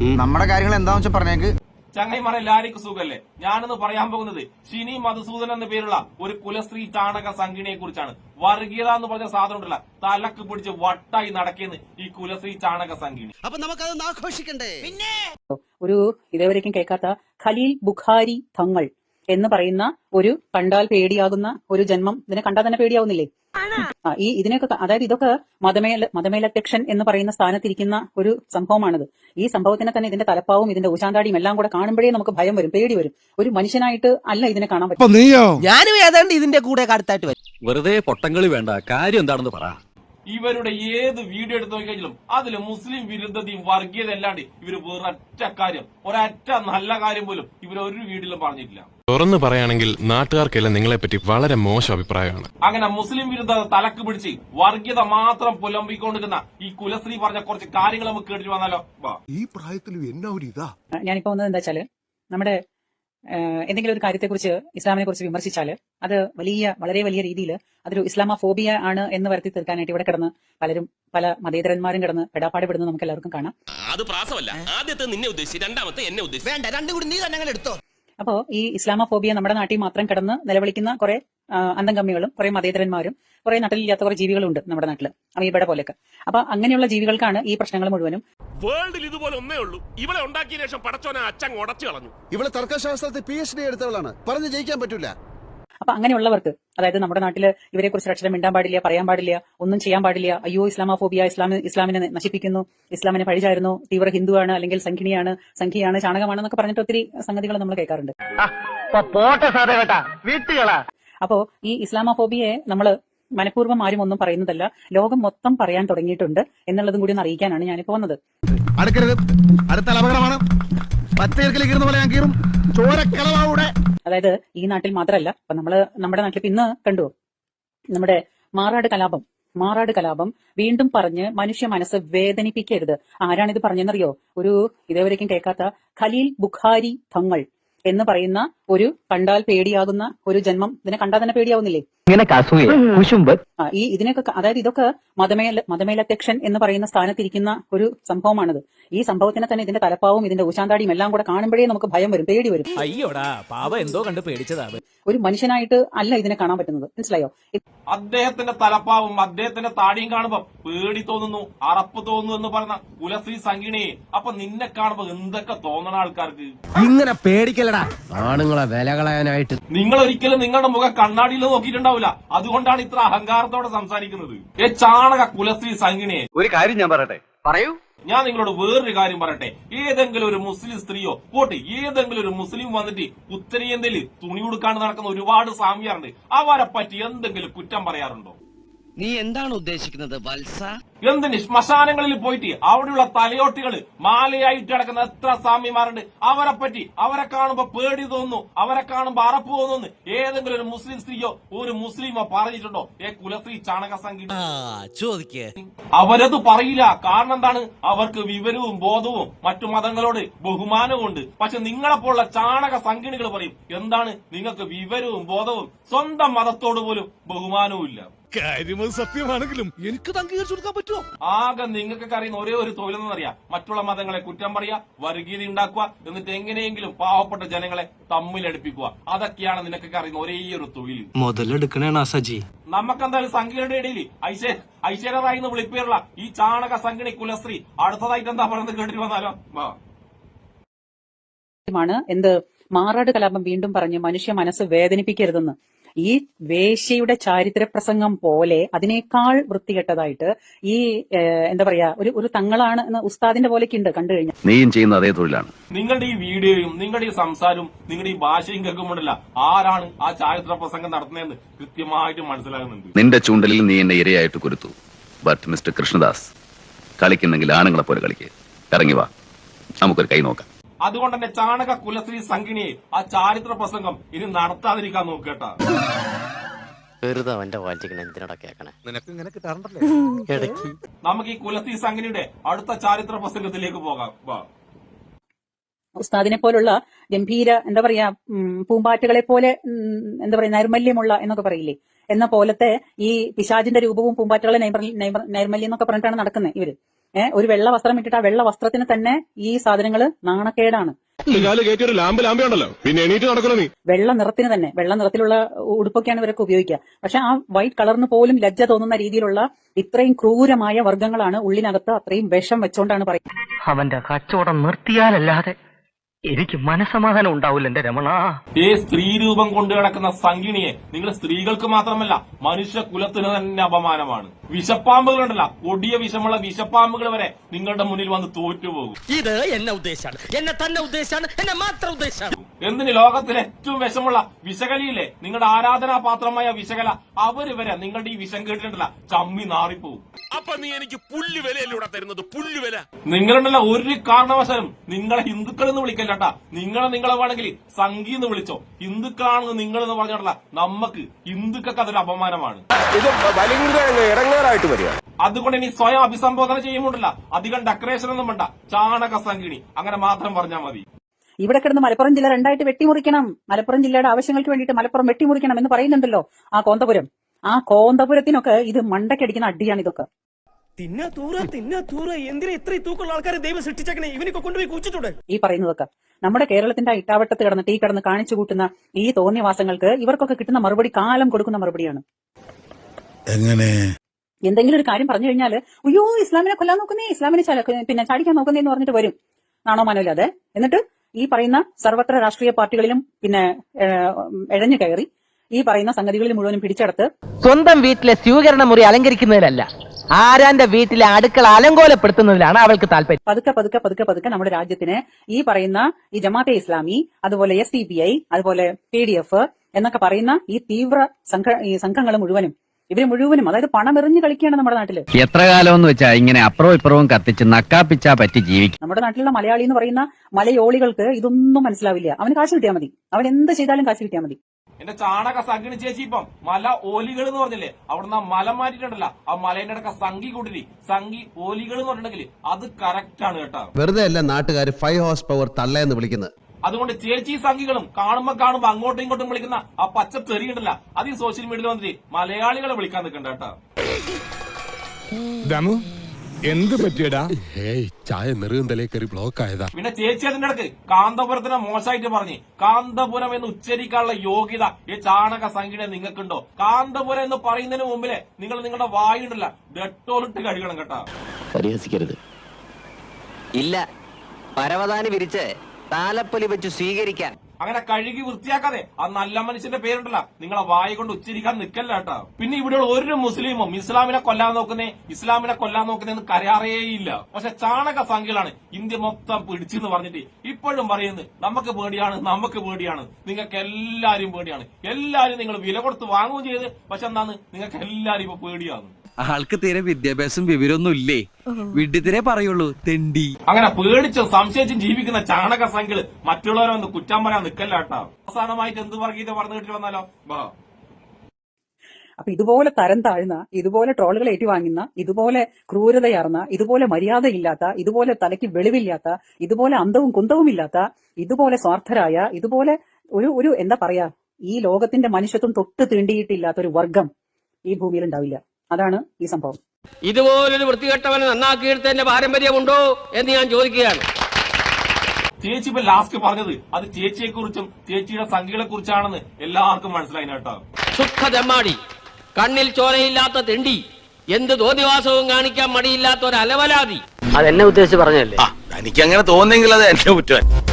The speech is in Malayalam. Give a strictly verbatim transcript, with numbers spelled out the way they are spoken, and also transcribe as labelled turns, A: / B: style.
A: നമ്മുടെ കാര്യങ്ങൾ എന്താന്ന് വെച്ചാൽ പറഞ്ഞേക്ക്.
B: ചങ്ങൈമാരെ എല്ലാവർക്കും സുഖല്ലേ? ഞാനെന്ന് പറയാൻ പോകുന്നത് ഷിനി മധുസൂദൻ എന്ന പേരുള്ള ഒരു കുലസ്ത്രീ ചാണക സംഘിണിയെ കുറിച്ചാണ്. വർഗീയത എന്ന് പറഞ്ഞ സാധനം ഉണ്ടല്ല, തലക്ക് പിടിച്ച് വട്ടായി നടക്കുന്ന ഈ കുലസ്ത്രീ ചാണക സംഘിണി.
C: അപ്പൊ നമുക്കത് ആഘോഷിക്കണ്ടേ? പിന്നെ
D: ഒരു ഇതേവരേക്കും കേൾക്കാത്ത ഖലീൽ ബുഖാരി തങ്ങൾ എന്ന് പറയുന്ന ഒരു കണ്ടാൽ പേടിയാകുന്ന ഒരു ജന്മം. ഇതിനെ കണ്ടാൽ തന്നെ പേടിയാവുന്നില്ലേ? ആ ഈ ഇതിനൊക്കെ അതായത് ഇതൊക്കെ മതമേല മതമേലധ്യക്ഷൻ എന്ന് പറയുന്ന സ്ഥാനത്തിരിക്കുന്ന ഒരു സംഭവമാണിത്. ഈ സംഭവത്തിനെ തന്നെ ഇതിന്റെ തലപ്പാവും ഇതിന്റെ ഊശാന്താടിയും എല്ലാം കൂടെ കാണുമ്പോഴേ നമുക്ക് ഭയം വരും, പേടി വരും. ഒരു മനുഷ്യനായിട്ട് അല്ല ഇതിനെ കാണാൻ പറ്റും.
C: ഞാനും ഏതാണ്ട് ഇതിന്റെ കൂടെ കടുത്തായിട്ട് വരും.
E: വെറുതെ പൊട്ടങ്ങളി വേണ്ട, കാര്യം എന്താണെന്ന് പറ.
B: ഇവരുടെ ഏത് വീഡിയോ എടുത്തു നോക്കിക്കഴിഞ്ഞാലും അതില് മുസ്ലിം വിരുദ്ധതയും വർഗീയത അല്ലാണ്ട് ഇവര് വേറൊറ്റ കാര്യം, ഒരൊറ്റ നല്ല കാര്യം പോലും ഇവർ ഒരു വീഡിയോയിലും പറഞ്ഞിട്ടില്ല.
F: തുറന്നു പറയുകയാണെങ്കിൽ നാട്ടുകാർക്കെല്ലാം നിങ്ങളെപ്പറ്റി വളരെ മോശം അഭിപ്രായമാണ്.
B: അങ്ങനെ മുസ്ലിം വിരുദ്ധത തലക്ക് പിടിച്ച് വർഗീയത മാത്രം പുലമ്പിക്കൊണ്ടിരിക്കുന്ന ഈ കുലസ്ത്രീ പറഞ്ഞ കുറച്ച് കാര്യങ്ങൾ നമുക്ക് കേട്ടിട്ട് വന്നാലോ?
G: ഈ പ്രായത്തിലും എന്നാ ഒരു ഇതാ.
D: ഞാനിപ്പോ വന്നത് എന്താ വെച്ചാല്, നമ്മുടെ എന്തെങ്കിലും ഒരു കാര്യത്തെക്കുറിച്ച് ഇസ്ലാമിനെ കുറിച്ച് വിമർശിച്ചാൽ അത് വലിയ വളരെ വലിയ രീതിയിൽ അതൊരു ഇസ്ലാമോഫോബിയ ആണ് എന്ന് വരുത്തി തീർക്കാനായിട്ട് ഇവിടെ കിടന്ന് പലരും പല മതേതരന്മാരും കിടന്ന് പെടാപ്പാടുപെടുന്നത് നമുക്ക് എല്ലാവർക്കും കാണാം.
H: അത് പ്രാസമല്ല, ആദ്യത്തെ നിന്നെ ഉദ്ദേശിച്ച് രണ്ടാമത്തെ എന്നെ ഉദ്ദേശിച്ചു.
C: വേണ്ട, രണ്ടും കൂടി നീ തന്നെ എടുത്തോ.
D: അപ്പോ ഈ ഇസ്ലാമോഫോബിയ നമ്മുടെ നാട്ടിൽ മാത്രം കിടന്ന് നിലവിളിക്കുന്ന കുറെ അന്തംഗമ്മികളും കുറെ മതേതരന്മാരും കുറെ നട്ടലില്ലാത്ത കുറെ ജീവികളും ഉണ്ട് നമ്മുടെ നാട്ടില്, അമീബയുടെ പോലെയൊക്കെ. അപ്പൊ അങ്ങനെയുള്ള ജീവികൾക്കാണ് ഈ പ്രശ്നങ്ങൾ മുഴുവനും.
H: വേൾഡിൽ ഇതുപോലെ ഒന്നേ ഉള്ളൂ. ഇവളെ ഉണ്ടാക്കിയ ശേഷം പടച്ചോനെ അച്ഛൻ ഉടച്ചു കളഞ്ഞു.
G: ഇവളെ തർക്കശാസ്ത്രത്തിൽ പി എച്ച് ഡി എടുത്തവളാണ്, പറഞ്ഞു ജയിക്കാൻ പറ്റൂല.
D: അപ്പൊ അങ്ങനെയുള്ളവർക്ക്, അതായത് നമ്മുടെ നാട്ടില് ഇവരെ കുറിച്ച് അക്ഷരം മിണ്ടാൻ പാടില്ല, പറയാൻ പാടില്ല, ഒന്നും ചെയ്യാൻ പാടില്ല, അയ്യോ ഇസ്ലാമോഫോബിയ, ഇസ്ലാമി ഇസ്ലാമിനെ നശിപ്പിക്കുന്നു, ഇസ്ലാമിനെ പഴിചാരുന്നു, തീവ്ര ഹിന്ദുവാണ്, അല്ലെങ്കിൽ സംഘിണിയാണ്, സംഖ്യയാണ്, ചാണകമാണെന്നൊക്കെ പറഞ്ഞിട്ട് ഒത്തിരി സംഗതികൾ നമ്മൾ കേൾക്കാറുണ്ട്. അപ്പോ ഈ ഇസ്ലാമോഫോബിയെ നമ്മള് മനഃപൂർവ്വം ആരും ഒന്നും പറയുന്നതല്ല, ലോകം മൊത്തം പറയാൻ തുടങ്ങിയിട്ടുണ്ട് എന്നുള്ളതും കൂടി ഒന്ന് അറിയിക്കാനാണ് ഞാനിപ്പോ വന്നത്. അതായത് ഈ നാട്ടിൽ മാത്രമല്ല, ഇപ്പൊ നമ്മള് നമ്മുടെ നാട്ടിൽ ഇന്ന് കണ്ടു നമ്മുടെ മാറാട് കലാപം മാറാട് കലാപം വീണ്ടും പറഞ്ഞ് മനുഷ്യ മനസ്സ് വേദനിപ്പിക്കരുത്. ആരാണിത് പറഞ്ഞെന്നറിയോ? ഒരു ഇതേവരേക്കും കേൾക്കാത്ത ഖലീൽ ബുഖാരി തങ്ങൾ എന്ന് പറയുന്ന ഒരു കണ്ടാൽ പേടിയാകുന്ന ഒരു ജന്മം. ഇതിനെ കണ്ടാൽ തന്നെ പേടിയാവുന്നില്ലേ? ആ ഈ ഇതിനൊക്കെ അതായത് ഇതൊക്കെ മതമേല മതമേലധ്യക്ഷൻ എന്ന് പറയുന്ന സ്ഥാനത്തിരിക്കുന്ന ഒരു സംഭവമാണിത്. ഈ സംഭവത്തിനെ തന്നെ ഇതിന്റെ തലപ്പാവും ഇതിന്റെ ഊശാന്താടിയും എല്ലാം കൂടെ കാണുമ്പോഴേ നമുക്ക് ഭയം വരും, പേടി വരും.
E: അയ്യോടാ പാവ എന്തോ കണ്ട് പേടിച്ചതാണ്.
D: ഒരു മനുഷ്യനായിട്ട് അല്ല ഇതിനെ കാണാൻ പറ്റുന്നത്, മനസ്സിലായോ?
B: അദ്ദേഹത്തിന്റെ തലപ്പാവും അദ്ദേഹത്തിന്റെ താടിയും കാണുമ്പോ പേടി തോന്നുന്നു, അറപ്പ് തോന്നുന്നു എന്ന് പറഞ്ഞ കുലസ്ത്രീ സംഘിണിയെ അപ്പൊ നിന്നെ കാണുമ്പോ എന്തൊക്കെ തോന്നണ ആൾക്കാർക്ക്?
C: ഇങ്ങനെ പേടിക്കലടാ ആണുങ്ങളെ വില കളയാനായിട്ട്.
B: നിങ്ങൾ ഒരിക്കലും നിങ്ങളുടെ മുഖം കണ്ണാടിയിൽ നോക്കിയിട്ടുണ്ടാവില്ല, അതുകൊണ്ടാണ് ഇത്ര അഹങ്കാരത്തോടെ സംസാരിക്കുന്നത്. ഏ ചാണക കുലസ്ത്രീ സംഘിണിയെ
E: ഒരു കാര്യം ഞാൻ പറയട്ടെ. പറയൂ.
B: ഞാൻ നിങ്ങളോട് വേറൊരു കാര്യം പറയട്ടെ. ഏതെങ്കിലും ഒരു മുസ്ലിം സ്ത്രീയോ പോട്ടെ, ഏതെങ്കിലും ഒരു മുസ്ലിം വന്നിട്ട് ഉത്തരേന്ത്യയിൽ തുണി ഉടുക്കാണ്ട് നടക്കുന്ന ഒരുപാട് സ്വാമിയാറുണ്ട്, അവരെ പറ്റി എന്തെങ്കിലും കുറ്റം പറയാറുണ്ടോ?
C: നീ എന്താണ് ഉദ്ദേശിക്കുന്നത് വത്സ?
B: എന്തിന് ശ്മശാനങ്ങളിൽ പോയിട്ട് അവിടെയുള്ള തലയോട്ടികള് മാലയായിട്ട് കിടക്കുന്ന എത്ര സ്വാമിമാരുണ്ട്, അവരെ പറ്റി അവരെ കാണുമ്പോ പേടി തോന്നുന്നു, അവരെ കാണുമ്പോ അറപ്പ് തോന്നുന്നു. ഏതെങ്കിലും ഒരു മുസ്ലിം സ്ത്രീയോ ഒരു മുസ്ലിമോ പറഞ്ഞിട്ടുണ്ടോ ഏ കുലസ്ത്രീ ചാണക സംഘിണി?
C: ചോദിക്കേ.
B: അവരത് പറയില്ല. കാരണം എന്താണ്? അവർക്ക് വിവരവും ബോധവും മറ്റു മതങ്ങളോട് ബഹുമാനവും ഉണ്ട്. പക്ഷെ നിങ്ങളെപ്പോലുള്ള ചാണക സംഘിണികൾ പറയും എന്താണ്, നിങ്ങൾക്ക് വിവരവും ബോധവും സ്വന്തം മതത്തോട് പോലും ബഹുമാനവും ഇല്ല.
G: കാര്യം സത്യമാണെങ്കിലും എനിക്ക് അംഗീകരിച്ചു കൊടുക്കാൻ പറ്റുമോ?
B: ആകെ നിങ്ങൾക്കൊക്കെ അറിയുന്ന ഒരേ ഒരു തൊഴിലെന്നറിയാം, മറ്റുള്ള മതങ്ങളെ കുറ്റം പറയുക, വർഗീയത ഉണ്ടാക്കുക, എന്നിട്ട് എങ്ങനെയെങ്കിലും പാവപ്പെട്ട ജനങ്ങളെ തമ്മിലടുപ്പിക്കുക. അതൊക്കെയാണ് നിനക്കൊക്കെ അറിയുന്ന ഒരേ ഒരു തൊഴിൽ.
E: മുതലെടുക്കണേ സജി.
B: നമുക്കെന്തായാലും സംഘിണിയുടെ ഇടയിൽ ഐശ്വര്യ ഐശ്വര്യറായി എന്ന് വിളിപ്പേരുള്ള ഈ ചാണക സംഘിണി കുലസ്ത്രീ അടുത്തതായിട്ട് എന്താ പറയുന്നത് കേട്ടിട്ട് വന്നാലോ?
D: എന്ത് മാറാട് കലാപം വീണ്ടും പറഞ്ഞ് മനുഷ്യ മനസ്സ് വേദനിപ്പിക്കരുതെന്ന്. ഈ വേശ്യയുടെ ചാരിത്ര പ്രസംഗം പോലെ അതിനേക്കാൾ വൃത്തികെട്ടതായിട്ട് ഈ എന്താ പറയാ ഒരു ഒരു തങ്ങളാണ് എന്ന് ഉസ്താദിന്റെ പോലെയൊക്കെ ഉണ്ട് കണ്ടു കഴിഞ്ഞാൽ.
E: നീയും ചെയ്യുന്ന അതേ തൊഴിലാണ്.
B: നിങ്ങളുടെ ഈ വീഡിയോയും നിങ്ങളുടെ ഈ സംസാരവും നിങ്ങളുടെ ഈ ഭാഷയും കേൾക്കുമ്പോഴല്ല ആരാണ് ആ ചാരിത്ര പ്രസംഗം നടത്തുന്നതെന്ന് കൃത്യമായിട്ട് മനസ്സിലാകുന്നുണ്ട്.
E: നിന്റെ ചൂണ്ടലിൽ നീ എന്നെ ഇരയായിട്ട് കുരുത്തു. ബട്ട് മിസ്റ്റർ കൃഷ്ണദാസ്, കളിക്കുന്നെങ്കിൽ ആണുങ്ങളെ പോലെ കളിക്കുക. ഇറങ്ങി വാ, നമുക്കൊരു കൈ നോക്കാം.
B: അതുകൊണ്ട് തന്നെ ചാണക കുലസ്ത്രീ സംഘിണിയെ ആ ചാരിത്ര പ്രസംഗം ഇനി നടത്താതിരിക്കാൻ നോക്കട്ടാ.
I: വെറുതെ അവന്റെ വായിച്ചിരിക്കണ എന്തിനാ കേൾക്കണേ?
G: നിനക്ക് ഇങ്ങനെ കിട്ടാറുണ്ടല്ലേ
I: ഇടയ്ക്ക്.
B: നമുക്ക് ഈ കുലസ്ത്രീ സംഘിണിയുടെ അടുത്ത ചാരിത്ര പ്രസംഗത്തിലേക്ക് പോകാം.
D: ഉസ്താദിനെ പോലുള്ള ഗംഭീര എന്താ പറയാ പൂമ്പാറ്റുകളെ പോലെ എന്താ പറയാ നൈർമല്യമുള്ള എന്നൊക്കെ പറയില്ലേ, എന്ന പോലത്തെ ഈ പിശാചിന്റെ രൂപവും പൂമ്പാറ്റുകളെ നൈർമല്യം എന്നൊക്കെ പറഞ്ഞിട്ടാണ് നടക്കുന്നത് ഇവര്. ഏഹ് ഒരു വെള്ള വസ്ത്രം ഇട്ടിട്ട് ആ വെള്ള വസ്ത്രത്തിന് തന്നെ ഈ സാധനങ്ങൾ നാണക്കേടാണ്.
F: ലാമ്പ് ലാമ്പുണ്ടല്ലോ പിന്നെ എണീറ്റ് നടക്കണോ നീ?
D: വെള്ള നിറത്തിന് തന്നെ വെള്ള നിറത്തിലുള്ള ഉടുപ്പൊക്കെയാണ് ഇവരൊക്കെ ഉപയോഗിക്കുക. പക്ഷെ ആ വൈറ്റ് കളറിന് പോലും ലജ്ജ തോന്നുന്ന രീതിയിലുള്ള ഇത്രയും ക്രൂരമായ വർഗ്ഗങ്ങളാണ് ഉള്ളിനകത്ത് അത്രയും വിഷം വെച്ചോണ്ടാണ് പറയുന്നത്.
C: അവന്റെ കച്ചവടം നിർത്തിയാലല്ലാതെ എനിക്ക് മനസമാധാനം ഉണ്ടാവില്ല എന്റെ രമണ.
B: ഈ സ്ത്രീ രൂപം കൊണ്ടു കിടക്കുന്ന സംഗിണിയെ നിങ്ങൾ സ്ത്രീകൾക്ക് മാത്രമല്ല മനുഷ്യ കുലത്തിന് തന്നെ അപമാനമാണ്. വിഷപ്പാമ്പുകളുണ്ടല്ല, കൊടിയ വിഷമുള്ള വിഷപ്പാമ്പുകൾ വരെ നിങ്ങളുടെ മുന്നിൽ വന്ന് തോറ്റുപോകും.
C: ഇത് എന്നെ ഉദ്ദേശാണ്, എന്നെ തന്നെ ഉദ്ദേശാണ്, എന്നെ മാത്രം ഉദ്ദേശാണ്.
B: എന്തിന് ലോകത്തിലെ ഏറ്റവും വിഷമുള്ള വിഷകലിയില്ലേ, നിങ്ങളുടെ ആരാധനാപാത്രമായ വിഷകല, അവര് വരെ നിങ്ങളുടെ ഈ വിഷം കേട്ടിട്ടുണ്ടല്ല ചമ്മി നാറിപ്പോവും.
H: അപ്പൊ നീ എനിക്ക് പുല്ല് വിലയല്ലൂടെ തരുന്നത്, പുല്ല് വില.
B: നിങ്ങളുണ്ടല്ല ഒരു കാരണവശാലും നിങ്ങളെ ഹിന്ദുക്കൾ എന്ന് വിളിക്കല്ലട്ടാ. നിങ്ങളെ നിങ്ങളെ വേണമെങ്കിൽ സംഘി എന്ന് വിളിച്ചോ. ഹിന്ദുക്കളാണെന്ന് നിങ്ങൾ എന്ന് പറഞ്ഞിട്ടല്ല, നമുക്ക് ഹിന്ദുക്കൾക്ക് അതൊരു അപമാനമാണ്.
H: ഇത് ഇടങ്ങേറായിട്ട് വരിക.
B: അതുകൊണ്ട് ഇനി സ്വയം അഭിസംബോധന ചെയ്യുമ്പോണ്ടല്ല അധികം ഡെക്കറേഷൻ ഒന്നും വേണ്ട, ചാണക സംഗിണി അങ്ങനെ മാത്രം പറഞ്ഞാൽ മതി.
D: ഇവിടെ കിടന്ന് മലപ്പുറം ജില്ല രണ്ടായിട്ട് വെട്ടിമുറിക്കണം, മലപ്പുറം ജില്ലയുടെ ആവശ്യങ്ങൾക്ക് വേണ്ടിയിട്ട് മലപ്പുറം വെട്ടിമുറിക്കണം എന്ന് പറയുന്നുണ്ടല്ലോ ആ കോന്തപുരം. ആ കോന്തപുരത്തിനൊക്കെ ഇത് മണ്ടക്കടിക്കുന്ന അടിയാണ് ഇതൊക്കെ.
C: തിന്നാ തൂറ തിന്നാ തൂറ എന്തിനാ ഇത്രയും തൂക്കമുള്ള ആൾക്കാരെ ദൈവം സൃഷ്ടിച്ചേക്കണേ, ഇവനൊക്കെ കൊണ്ടുപോയി കൂച്ചിട്ടുണ്ട്. ഈ
D: പറയുന്നതൊക്കെ നമ്മുടെ കേരളത്തിന്റെ ഇട്ടാവട്ടത്ത് കിടന്നിട്ട് ഈ കിടന്ന് കാണിച്ചു കൂട്ടുന്ന ഈ തോന്നിയവാസങ്ങൾക്ക് ഇവർക്കൊക്കെ കിട്ടുന്ന മറുപടി കാലം കൊടുക്കുന്ന മറുപടിയാണ്.
G: എങ്ങനെ
D: എന്തെങ്കിലും ഒരു കാര്യം പറഞ്ഞു കഴിഞ്ഞാൽ അയ്യോ ഇസ്ലാമിനെ കൊല്ലാൻ നോക്കുന്നേ, ഇസ്ലാമിനെ പിന്നെ ചാടിക്കാൻ നോക്കുന്നേ എന്ന് പറഞ്ഞിട്ട് വരും നാണോ മാനോയില്ലാതെ. എന്നിട്ട് ഈ പറയുന്ന സർവത്ര രാഷ്ട്രീയ പാർട്ടികളിലും പിന്നെ എഴഞ്ഞു കയറി ഈ പറയുന്ന സംഗതികളിൽ മുഴുവനും പിടിച്ചെടുത്ത്
C: സ്വന്തം വീട്ടിലെ സ്വീകരണ മുറി അലങ്കരിക്കുന്നതിലല്ല, ആരാന്റെ വീട്ടിലെ അടുക്കള അലങ്കോലപ്പെടുത്തുന്നതിലാണ് അവൾക്ക് താല്പര്യം.
D: പതുക്കെ പതുക്കെ പതുക്കെ പതുക്കെ നമ്മുടെ രാജ്യത്തിന് ഈ പറയുന്ന ഈ ജമാഅത്തെ ഇസ്ലാമി, അതുപോലെ എസ് ഡി പി ഐ, അതുപോലെ പി ഡി എഫ് എന്നൊക്കെ പറയുന്ന ഈ തീവ്ര സംഘ ഈ സംഘങ്ങൾ മുഴുവനും ഇവര് മുഴുവനും അതായത് പണമെറിഞ്ഞ് കളിക്കുകയാണ് നമ്മുടെ നാട്ടില്.
E: എത്ര കാലം എന്ന് വെച്ചാ ഇങ്ങനെ അപ്പുറവും ഇപ്പുറവും കത്തിച്ച് നക്കാപ്പിച്ചാ പറ്റി ജീവിക്കും.
D: നമ്മുടെ നാട്ടിലുള്ള മലയാളി എന്ന് പറയുന്ന മലയോളികൾക്ക് ഇതൊന്നും മനസ്സിലാവില്ല. അവന് കാശ് കിട്ടിയാൽ മതി, അവൻ എന്ത് ചെയ്താലും കാശ് കിട്ടിയാൽ മതി.
B: എന്റെ ചാണക സംഗിണി ചേച്ചി ഇപ്പം മല ഓലികൾ എന്ന് പറഞ്ഞില്ലേ, അവിടുന്ന് മല മാറ്റിട്ടുണ്ടല്ല, ആ മലേന്റെ അടക്ക സംഗി കൂട്ടിരി സംഗി ഓലികൾ എന്ന് പറഞ്ഞിട്ടുണ്ടെങ്കിൽ അത് കറക്റ്റ് ആണ് കേട്ടോ.
G: വെറുതെ അല്ല നാട്ടുകാർ ഫൈവ് ഹോഴ്സ് പവർ തള്ളയെന്ന് വിളിക്കുന്നത്.
B: അതുകൊണ്ട് ചേച്ചി സംഘികളും കാണുമ്പോ കാണുമ്പോ അങ്ങോട്ടും ഇങ്ങോട്ടും വിളിക്കുന്ന ആ പച്ച തെറിയുണ്ടല്ല, അത് ഈ സോഷ്യൽ മീഡിയയിൽ വന്നിട്ട് മലയാളികളെ വിളിക്കാൻ നിൽക്കണ്ട കേട്ടോ.
F: എന്ത് പറ്റിയടാ? ചായ നെറുകന്തലേ കയറി ബ്ലോക്ക് ആയതാ.
B: പിന്നെ ചേച്ചി അതിന്റെ ഇടക്ക് കാന്തപുരത്തിനെ മോശമായിട്ട് പറഞ്ഞ് കാന്തപുരം എന്ന് ഉച്ചരിക്കാനുള്ള യോഗ്യത ഈ ചാണക സംഖ്യ നിങ്ങൾക്കുണ്ടോ? കാന്തപുരം എന്ന് പറയുന്നതിന് മുമ്പിലെ നിങ്ങൾ നിങ്ങളുടെ വായുണ്ടല്ല ഡെറ്റോളിട്ട് കഴുകണം കേട്ടോ.
I: പരിഹസിക്കരുത്. ഇല്ല, പരവതാനി വിരിച്ച് താലപ്പൊലി വെച്ച് സ്വീകരിക്കാൻ
B: അങ്ങനെ കഴുകി വൃത്തിയാക്കാതെ ആ നല്ല മനുഷ്യന്റെ പേരുണ്ടല്ല നിങ്ങളെ വായ കൊണ്ട് ഉച്ചരിക്കാൻ നിൽക്കല്ല കേട്ടോ. പിന്നെ ഇവിടെയുള്ള ഒരു മുസ്ലിമും ഇസ്ലാമിനെ കൊല്ലാൻ നോക്കുന്നേ ഇസ്ലാമിനെ കൊല്ലാൻ നോക്കുന്നേന്ന് കരാറേയില്ല. പക്ഷെ ചാണക സംഖ്യകളാണ് ഇന്ത്യ മൊത്തം പിടിച്ചെന്ന് പറഞ്ഞിട്ട് ഇപ്പോഴും പറയുന്നത് നമുക്ക് പേടിയാണ്, നമുക്ക് പേടിയാണ്. നിങ്ങൾക്ക് എല്ലാരും പേടിയാണ്, എല്ലാരും നിങ്ങൾ വില കൊടുത്ത് വാങ്ങുകയും ചെയ്ത്. പക്ഷെ എന്താണ് നിങ്ങൾക്ക് എല്ലാരും ഇപ്പൊ പേടിയാണ്.
J: ആൾക്ക് തീരെ വിദ്യാഭ്യാസം വിവരമൊന്നും ഇല്ലേ, വിഡ്ഢിത്തിരെ പറയുള്ളൂ തെണ്ടി.
B: അങ്ങനെ പേടിച്ചും സംശയിച്ചും ജീവിക്കുന്ന ചാണക സംഖ്യകള് മറ്റുള്ളവരെ ഒന്ന് കുറ്റം പറയാൻ നിൽക്കല്ല കേട്ടോ. അവസാനമായിട്ട് എന്ത് വർഗീയത പറഞ്ഞു കിട്ടി വന്നാലോ?
D: അപ്പൊ ഇതുപോലെ തരം താഴ്ന്ന, ഇതുപോലെ ട്രോളുകൾ ഏറ്റുവാങ്ങുന്ന, ഇതുപോലെ ക്രൂരതയാർന്ന, ഇതുപോലെ മര്യാദയില്ലാത്ത, ഇതുപോലെ തലയ്ക്ക് വെളിവില്ലാത്ത, ഇതുപോലെ അന്തവും കുന്തവും ഇല്ലാത്ത, ഇതുപോലെ സ്വാർത്ഥരായ, ഇതുപോലെ ഒരു ഒരു എന്താ പറയാ ഈ ലോകത്തിന്റെ മനുഷ്യത്വം തൊട്ട് തീണ്ടിയിട്ടില്ലാത്ത ഒരു വർഗം ഈ ഭൂമിയിൽ ഉണ്ടാവില്ല. അതാണ് ഈ സംഭവം.
C: ഇതുപോലൊരു വൃത്തികെട്ടവനെ നന്നാക്കിയെടുത്തതിന്റെ പാരമ്പര്യമുണ്ടോ എന്ന് ഞാൻ ചോദിക്കുകയാണ്.
B: ചേച്ചി ഇപ്പൊ ലാസ്റ്റ് പറഞ്ഞത് അത് ചേച്ചിയെ കുറിച്ചും ചേച്ചിയുടെ സംഖ്യകളെ കുറിച്ചാണെന്ന് എല്ലാവർക്കും മനസ്സിലായി കേട്ടോ.
C: ശുദ്ധ തെമ്മാടി, കണ്ണിൽ ചോരയില്ലാത്ത തെണ്ടി, എന്ത് തോന്നിവാസവും കാണിക്കാൻ മടിയില്ലാത്ത ഒരു അലവലാതി.
I: അതെന്നെ ഉദ്ദേശിച്ച് പറഞ്ഞല്ലേ?
H: എനിക്ക് അങ്ങനെ തോന്നുന്നെങ്കിൽ അത് എന്റെ കുറ്റം.